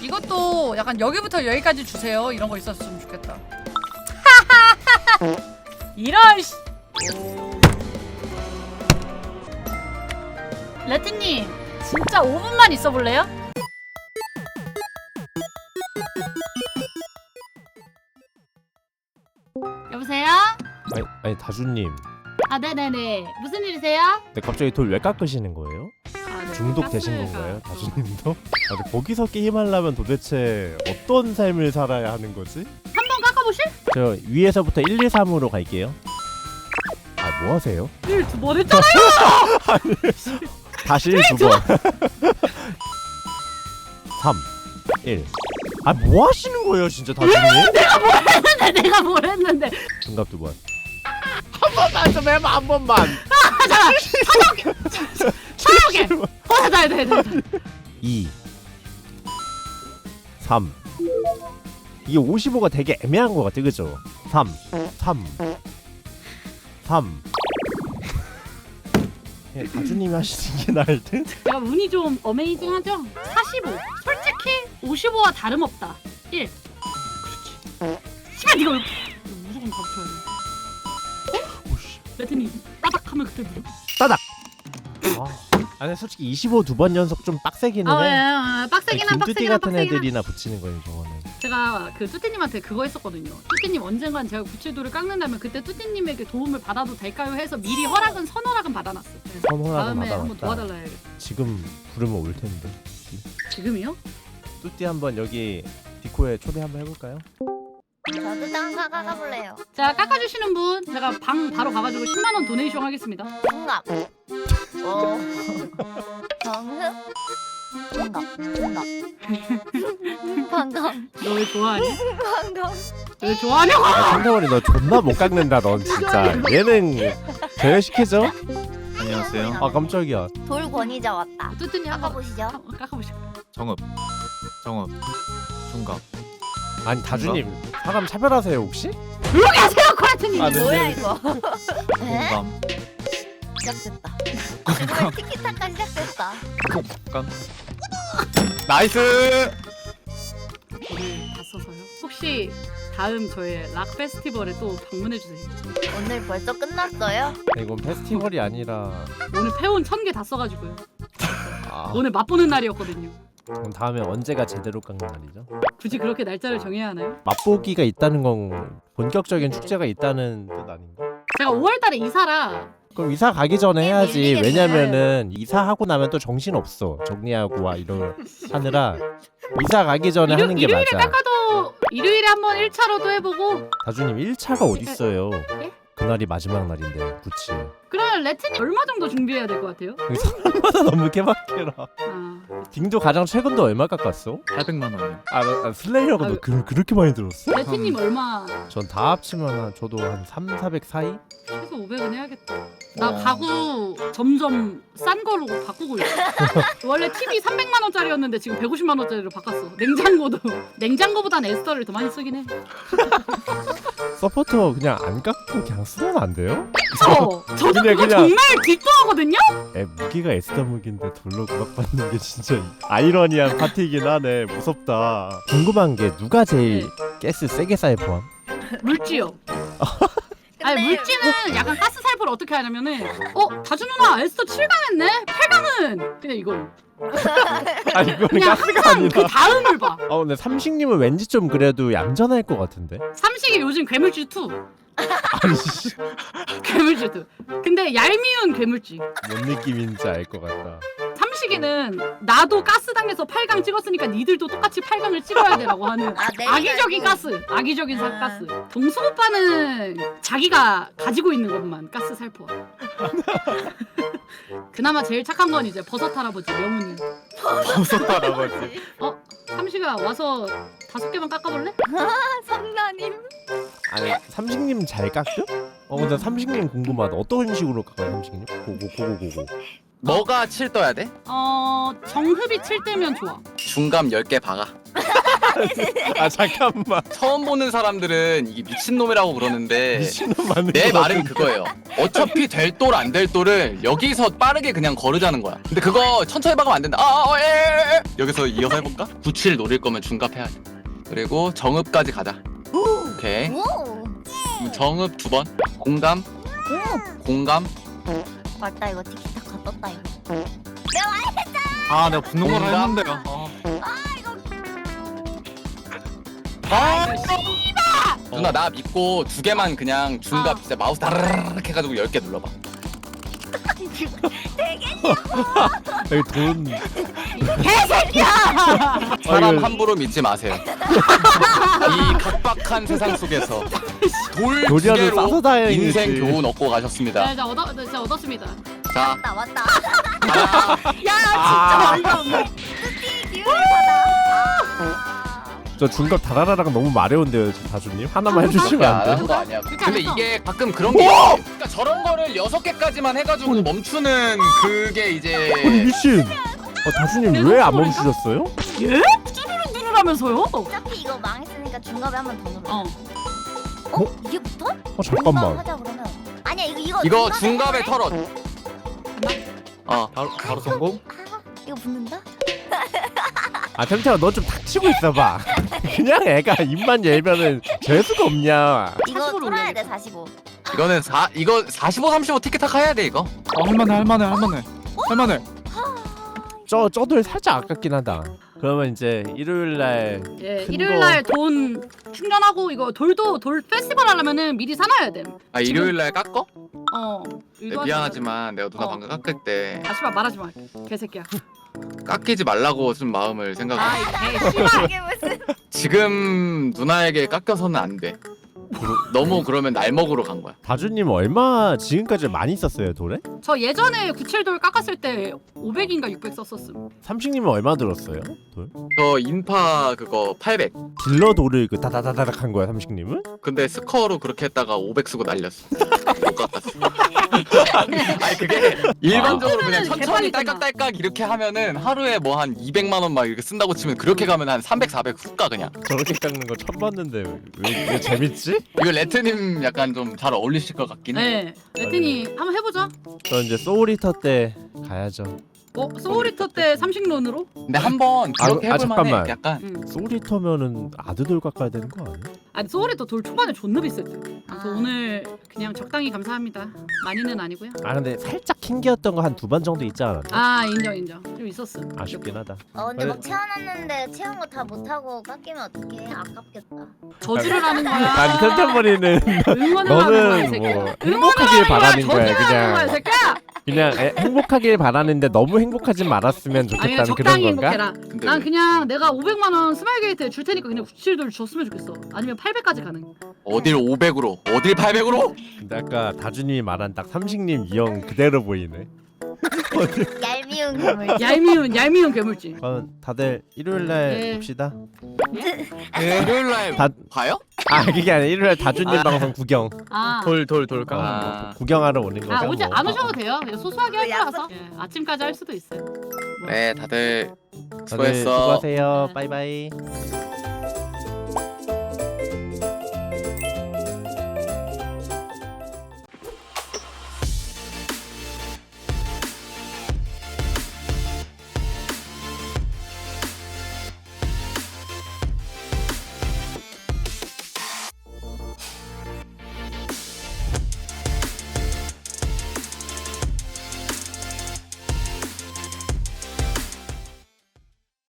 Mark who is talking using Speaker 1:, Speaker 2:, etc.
Speaker 1: 이것도 약간 여기부터 여기까지 주세요 이런 거 있었으면 좋겠다. 이런 씨. 레트님 진짜 5분만 있어 볼래요? 여보세요?
Speaker 2: 아니 다주님.
Speaker 1: 아 네네네. 무슨 일이세요?
Speaker 2: 근데 갑자기 돌 왜 깎으시는 거예요?
Speaker 1: 아, 네.
Speaker 2: 중독되신
Speaker 1: 가스가-
Speaker 2: 건가요, 다주님도? 아, 근데 거기서 게임하려면 도대체 어떤 삶을 살아야 하는 거지?
Speaker 1: 한번 깎아보실?
Speaker 2: 저 위에서부터 1, 2, 3으로 갈게요. 아, 뭐 하세요?
Speaker 1: 1, 2번 했잖아요!
Speaker 2: 다시 1, 2번. 3, 1. 아, 뭐 하시는 거예요, 진짜 다주님?
Speaker 1: 내가 뭘 했는데.
Speaker 2: 중갑 2번. 한 번만 좀 해봐, 한 번만.
Speaker 1: 차오게! 네.
Speaker 2: 2, 3. 이게 55가 되게 애매한 것 같아, 그죠? 3. 예, 다주님이 하시는 게 나을 듯?
Speaker 1: 제가 운이 좀 어메이징하죠? 45. 솔직히 55와 다름없다. 1. 그렇지. 씨발 이거 무조건 가르쳐야 돼.
Speaker 2: 오씨.
Speaker 1: 레트님 따닥하면 그때 누르.
Speaker 2: 따닥! 아니 솔직히 25 두 번 연속 좀 빡세기는 해.
Speaker 1: 빡세긴 한
Speaker 2: 김뚜띠
Speaker 1: 빡세긴
Speaker 2: 같은
Speaker 1: 한.
Speaker 2: 애들이나 붙이는 거예요, 저거는.
Speaker 1: 제가 그 뚜띠님한테 그거 했었거든요. 뚜띠님 언젠간 제가 구칠도를 깎는다면 그때 뚜띠님에게 도움을 받아도 될까요? 해서 미리 선허락은 받아놨어요. 그래서
Speaker 2: 선호라고
Speaker 1: 다음에 한번
Speaker 2: 받아왔다.
Speaker 1: 도와달라 해야겠다.
Speaker 2: 지금 부르면 올 텐데.
Speaker 1: 지금이요?
Speaker 2: 뚜띠 한번 여기 디코에 초대 한번 해볼까요?
Speaker 3: 저도 땅 가볼래요.
Speaker 1: 자 깎아주시는 분 제가 방 바로 가가지고 10만원 도네이션 하겠습니다.
Speaker 3: 정답. 정답. 방금.
Speaker 1: 너 왜 좋아하니?
Speaker 3: 방금.
Speaker 1: 왜 좋아하냐고?
Speaker 2: 아, 성태원이 너 존나 못 깎는다, 넌 진짜. 예능 제외시키죠?
Speaker 4: 안녕하세요.
Speaker 2: 아 깜짝이야.
Speaker 3: 돌 권위자 왔다.
Speaker 1: 뚜띠님 한번
Speaker 3: 깎아보시죠.
Speaker 1: 깎아보시죠.
Speaker 4: 정읍, 중갑.
Speaker 2: 아니 다주님 사람 차별하세요 혹시?
Speaker 1: 조용히 하세요 코레트님.
Speaker 2: 아, 네.
Speaker 3: 뭐야 이거? 에?
Speaker 4: 공감,
Speaker 3: 시작됐다. 정말 티키타카 시작됐다.
Speaker 4: 공감. 나이스.
Speaker 1: 오늘 다 써서요. 혹시 다음 저의 락 페스티벌에 또 방문해 주세요.
Speaker 3: 오늘 벌써 끝났어요?
Speaker 2: 이건 페스티벌이 아니라
Speaker 1: 오늘 패온 1000개 다 써가지고요.
Speaker 2: 아,
Speaker 1: 오늘 맛보는 날이었거든요.
Speaker 2: 그럼 다음에 언제가 제대로 깎는 날이죠?
Speaker 1: 굳이 그렇게 날짜를 정해야 하나요?
Speaker 2: 맛보기가 있다는 건 본격적인 축제가 있다는 뜻 아닌가?
Speaker 1: 제가 5월달에 이사라.
Speaker 2: 그럼 이사 가기 전에 해야지.
Speaker 3: 밀리겠네.
Speaker 2: 왜냐면은 이사하고 나면 또 정신 없어. 정리하고 와 이런 하느라 이사 가기 전에 하는 게
Speaker 1: 일요일에
Speaker 2: 맞아.
Speaker 1: 깎아도 일요일에 한번 1차로도 해보고.
Speaker 2: 다주님 1차가 어딨어요?
Speaker 1: 예?
Speaker 2: 그날이 마지막 날인데 그치?
Speaker 1: 그러면 레트님 얼마 정도 준비해야 될 것 같아요?
Speaker 2: 사람마다 너무 개박해라.
Speaker 1: 아,
Speaker 2: 딩도 가장 최근도 얼마 깎았어?
Speaker 4: 800만 원이요.
Speaker 2: 슬레이어가 너 그렇게 많이 들었어?
Speaker 1: 레트님 얼마?
Speaker 2: 전 다 합치면 저도 한 3, 400 사이?
Speaker 1: 최소 500은 해야겠다. 나 가구 점점 싼 거로 바꾸고 있어. 원래 TV 300만 원짜리였는데 지금 150만 원짜리로 바꿨어. 냉장고도 냉장고보단 에스터를 더 많이 쓰긴 해.
Speaker 2: 서포터 그냥 안 깎고 그냥 쓰면 안 돼요?
Speaker 1: 저도
Speaker 2: 그냥-
Speaker 1: 그거 정말 기뻐하거든요.
Speaker 2: 무기가 에스더 무기인데 돌로 구박받는 게 진짜 아이러니한 파티이긴 하네. 무섭다. 궁금한 게 누가 제일 가스 세게 쌓여 포함?
Speaker 1: 물지요. 아니
Speaker 3: 근데
Speaker 1: 물지는 약간 가스 살포를 어떻게 하냐면은 다주 누나 에스터 7강 했네. 8강은 그냥 이걸
Speaker 2: 아니 이거는
Speaker 1: 그냥
Speaker 2: 가스가
Speaker 1: 항상
Speaker 2: 아니라.
Speaker 1: 그 다음을 봐.
Speaker 2: 근데 삼식님은 왠지 좀 그래도 얌전할 것 같은데?
Speaker 1: 삼식이 요즘 괴물쥐 2.
Speaker 2: 아니 씨,
Speaker 1: 괴물쥐 2. 근데 얄미운 괴물쥐.
Speaker 2: 뭔 느낌인지 알 것 같다.
Speaker 1: 삼식이는 나도 가스당에서 8강 찍었으니까 니들도 똑같이 8강을 찍어야 되라고 하는 악의적인 가스. 악의적인 가스. 동수 오빠는 자기가 가지고 있는 것만 가스 살포. 그나마 제일 착한 건 이제 버섯 할아버지 명훈이.
Speaker 4: 버섯 할아버지.
Speaker 1: 삼식아 와서 5개만 깎아볼래?
Speaker 3: 성나님.
Speaker 2: 아니 삼식님 잘 깎여? 근데 삼식님 궁금하다. 어떤 식으로 깎아요 삼식님? 고고.
Speaker 4: 뭐가 7 떠야 돼?
Speaker 1: 정흡이 7대면 좋아.
Speaker 4: 중감 10개 박아.
Speaker 2: 아 잠깐만.
Speaker 5: 처음 보는 사람들은 이게 미친놈이라고 그러는데
Speaker 2: 미친놈 맞는
Speaker 5: 내
Speaker 2: 거
Speaker 5: 말은 그거예요. 어차피 될 돌 안 될 돌을 여기서 빠르게 그냥 거르자는 거야. 근데 그거 천천히 박으면 안 된다. 여기서 이어서 해볼까? 97 노릴 거면 중갑 해야지. 그리고 정읍까지 가자. 오케이.
Speaker 3: 오.
Speaker 5: 그럼 정읍 2번. 공감. 공감.
Speaker 3: 맞다 이거 티키타카 떴다 이거.
Speaker 4: 아 내가 붙는 걸
Speaker 5: 뭔가?
Speaker 4: 했는데요.
Speaker 5: 누나 나 믿고 2개만 그냥 중갑 진짜 마우스 다르르륵 해가지고 10개 눌러봐.
Speaker 2: 여기 돈.
Speaker 5: 사람
Speaker 2: 이거-
Speaker 5: 함부로 믿지 마세요. 이 각박한 세상 속에서 돌
Speaker 2: 요리하는
Speaker 5: 2개로
Speaker 2: 싸서 다행이지.
Speaker 5: 인생 교훈 얻고 가셨습니다.
Speaker 1: 네, 진짜 얻었습니다.
Speaker 5: 자,
Speaker 3: 맞다 맞다.
Speaker 1: 야
Speaker 2: 아.
Speaker 1: 진짜 어이가 없네.
Speaker 3: 기운을 받아.
Speaker 2: 저 중갑 다라라랑 너무 마려운데요, 다주님. 하나만 해주시면 안 돼요?
Speaker 5: 안한 거 아니야.
Speaker 1: 그러니까
Speaker 5: 근데
Speaker 1: 알았어.
Speaker 5: 이게 가끔 그런 게 있어. 그러니까 저런 거를 6개까지만 해가지고 멈추는 그게
Speaker 2: 아니
Speaker 5: 이제
Speaker 2: 미친. 다주님 왜 안 멈추셨어요?
Speaker 1: 예? 누르라면서요?
Speaker 3: 어차피 이거 망했으니까 중갑에 한 번 더 눌러.
Speaker 1: 어.
Speaker 3: 어? 이게 붙어?
Speaker 2: 잠깐만.
Speaker 3: 하자 그러면. 아니야
Speaker 5: 이거 중갑에 털어.
Speaker 4: 바로 성공?
Speaker 3: 이거 붙는다?
Speaker 2: 아 템템아 너 좀 닥치고 있어봐. 그냥 애가 입만 열면은 재수가 없냐.
Speaker 3: 이거
Speaker 1: 45로
Speaker 3: 뚫어야
Speaker 1: 올려야
Speaker 3: 돼 45.
Speaker 5: 이거는 이거 45, 35 티켓타카 해야 돼 이거.
Speaker 4: 할만해.
Speaker 2: 저돌 살짝 아깝긴 하다. 그러면 이제 일요일날
Speaker 1: 예,
Speaker 2: 큰
Speaker 1: 일요일 날 돈 충전하고 이거 돌 페스티벌 하려면은 미리 사놔야 돼.
Speaker 5: 아 일요일 날 깎어?
Speaker 1: 네,
Speaker 5: 네, 미안하지만 내가 누나
Speaker 1: 어.
Speaker 5: 방금 깎을 때
Speaker 1: 아씨발 말하지 마. 개새끼야.
Speaker 5: 깎이지 말라고 좀 마음을 생각해.
Speaker 1: 아이 개씨발.
Speaker 3: 이게 무슨?
Speaker 5: 지금 누나에게 깎여서는 안 돼. 너무 그러면 날 먹으러 간 거야.
Speaker 2: 다주님 얼마 지금까지 많이 썼어요 돌에?
Speaker 1: 저 예전에 97돌 깎았을 때 500인가 600 썼었음.
Speaker 2: 삼식님은 얼마 들었어요? 돌?
Speaker 5: 저 인파 그거 800.
Speaker 2: 딜러 돌을 그 다다다다닥 한 거야 삼식님은?
Speaker 5: 근데 스커로 그렇게 했다가 500 쓰고 날렸어. 못 깎았어. 아니 그게 일반적으로 그냥
Speaker 1: 그러면은
Speaker 5: 천천히
Speaker 1: 개판이잖아.
Speaker 5: 딸깍딸깍 이렇게 하면은 하루에 뭐 한 200만 원 막 이렇게 쓴다고 치면 그렇게 가면 한 300, 400 훅 가 그냥.
Speaker 2: 저렇게 깎는 거 처음 봤는데 왜 재밌지?
Speaker 5: 이거 레트님 약간 좀 잘 어울리실 것 같긴 해.
Speaker 1: 네. 레트니 한번 해보자.
Speaker 2: 저 이제 소울리터 때 가야죠.
Speaker 1: 소울리터 때 삼식론으로?
Speaker 5: 근데 한번 그렇게
Speaker 2: 아,
Speaker 5: 해볼만해.
Speaker 2: 잠깐만.
Speaker 5: 약간
Speaker 1: 응.
Speaker 2: 소울리터면은 아드돌 깎아야 되는 거 아니야?
Speaker 1: 아니 소울리터 돌 초반에 존나 비쌀 때. 그래서
Speaker 3: 아.
Speaker 1: 오늘 그냥 적당히 감사합니다. 많이는 아니고요.
Speaker 2: 아 근데 살짝 킹기였던 거 한 2번 정도 있지 않았나?
Speaker 1: 아 인정. 좀 있었어.
Speaker 2: 아쉽긴 하다.
Speaker 3: 근데 막
Speaker 2: 그래.
Speaker 3: 채워놨는데 채운 거 다 못하고 깎이면 어떡해? 아깝겠다.
Speaker 1: 저주를 하는 거야.
Speaker 2: 난 템템머리는
Speaker 1: 응원을 하는 거야 이
Speaker 2: 너는
Speaker 1: 새끼야.
Speaker 2: 뭐
Speaker 1: 응원을
Speaker 2: 행복하길
Speaker 1: 하는 거야,
Speaker 2: 바라는 거야
Speaker 1: 저주를 하는 거야 이
Speaker 2: 그냥
Speaker 1: 새끼야.
Speaker 2: 그냥 행복하길 바라는데 너무 행복하지 말았으면
Speaker 1: 아니 그냥
Speaker 2: 좋겠다는 그런
Speaker 1: 적당히
Speaker 2: 건가?
Speaker 1: 행복해라.
Speaker 5: 근데
Speaker 1: 난 그냥 내가 500만 원 스마일 게이트에 줄 테니까 그냥 97돌 줬으면 좋겠어. 아니면 800까지 가능.
Speaker 5: 어딜 500으로 어딜 800으로?
Speaker 2: 근데 아까 다준이 말한 딱 삼식님 이형 그대로 보이네.
Speaker 3: 얄미운 괴물.
Speaker 1: 얄미운 괴물지.
Speaker 2: 그럼 다들 일요일날
Speaker 1: 네.
Speaker 2: 봅시다.
Speaker 5: 일요일 날
Speaker 2: 다-
Speaker 5: 봐요?
Speaker 2: 아 그게 아니라 일요일 다준님 방송 구경.
Speaker 1: 아.
Speaker 4: 돌 깎는
Speaker 5: 아,
Speaker 2: 구경하러 오는 거죠.
Speaker 1: 아 오지
Speaker 2: 뭐.
Speaker 1: 안 오셔도 돼요. 그냥 소소하게 할
Speaker 3: 약속.
Speaker 1: 거라서. 예, 아침까지 할 수도 있어요.
Speaker 5: 네 다들
Speaker 2: 다들
Speaker 5: 수고했어.
Speaker 2: 수고하세요.
Speaker 1: 네.
Speaker 2: 바이바이.